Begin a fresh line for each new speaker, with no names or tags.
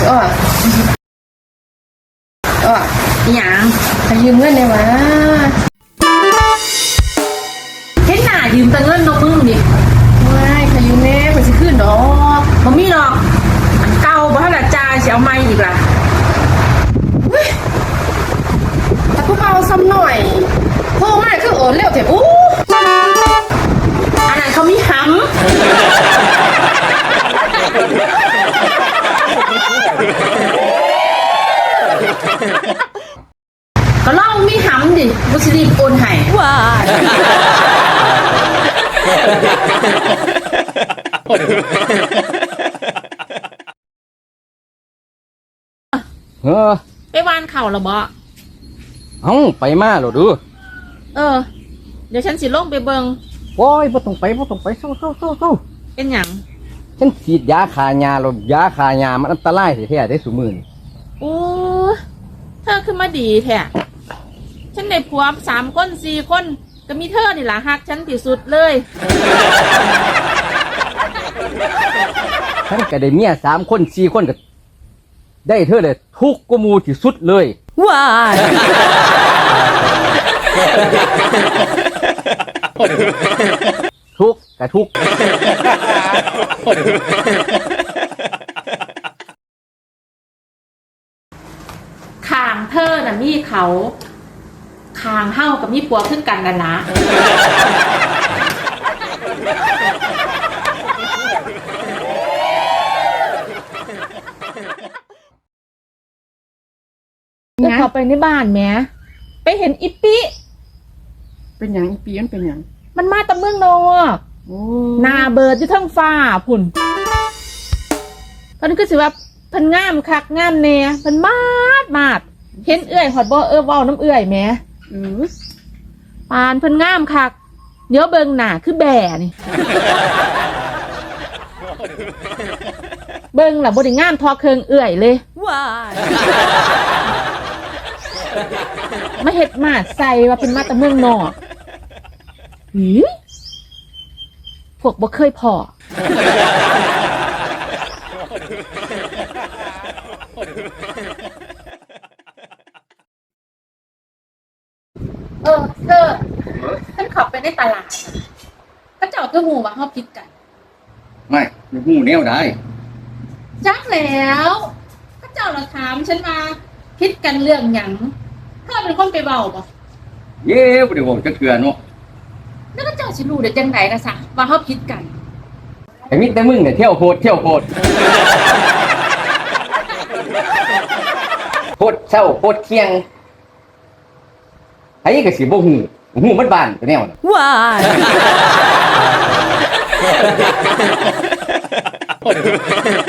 อ้อหยังขยืมเงินได้วะ
เห็นหน้ายืมแต่เงินนกมึงดิ
ไม่ขยืมแม่ไปสิขึ้นดอก
บ่มีดอกมันเก่าบ่ทันละจ่ายสิเอาใหม่อีกล่ะ
แต่พวกเอาซ้ำหน่อยโทรมาคือโอนเร็วเถอะอู้
อันนั้นเขามีหำก็ลองมีหำดิบ่สิรีบโอนให้ว้าไปวานเข่าแล้วบ่
ไปมาหรอดู
เดี๋ยวฉันสิลงไปเบิง
โอ้ยบ่ต้องไปเศร้า
เป็นหยัง
ฉันฉีดยาคายาแล้วยาคายามันอันตรายแท้ๆได้ซุมื้อนี่
โอ้เธอขึ้นมาดีแท้ฉันได้ผัว3 คน4 คนก็มีเธอนี่ล่ะฮักฉันที่สุดเลย
ฉันก็ได้เมีย3 คน4 คนก็ได้เธอเลยทุกข์กว่าหมู่ที่สุดเลย
ว้าย
ทุกข์กับทุกข์
ข้างเธอน่ะมีเขาข้างเฮากับมีผัวขึ้นกันนั่นล่ะเข้าไปในบ้านแหมไปเห็นอิปปี้
เป็นหยังอีปีมันเป็นหยัง
มันมาตะเมืองนอกหน้าเบิดอยู่ทั้งฟ้าพุ่นตอนนี้ก็สิว่าเพิ่นงามคักงามแน่เพิ่นมาดเห็นเอื้อยฮอดบ่เว้าน้ำเอื้อยแหมปานเพิ่นงามคักเดี๋ยวเบิ่งหน้าคือแบ่นี่เบิ่งล่ะบ่ได้งามทอเครื่องเอื้อยเลยว้ายมาเฮ็ดมาใส่ว่าเป็นมาตะเมืองนอกพวกบ่เคยพอเธอฉันขับไปในตลาดก็เจ้าคือหูว่าเฮาผิดกัน
ไม่หูแนวได้
จักแล้วก็เจ้าเราถามฉันมาผิดกันเรื่องหยังเธอเป็นคนไปเว้าบ่
เย้บ่ได้เว้าจักเทื่อเนาะ
แล้วก็เจ้าสิรู้ได้จังไดล่ะซะว่าเฮาผิดกัน
ไอ้มิแต่มึงเนี่ยเที่ยวโพดโพดเช้าโพดเที่ยงไอ้ก็สิบ่หูมันบ้านตัวแนวน่ะ
ว้าย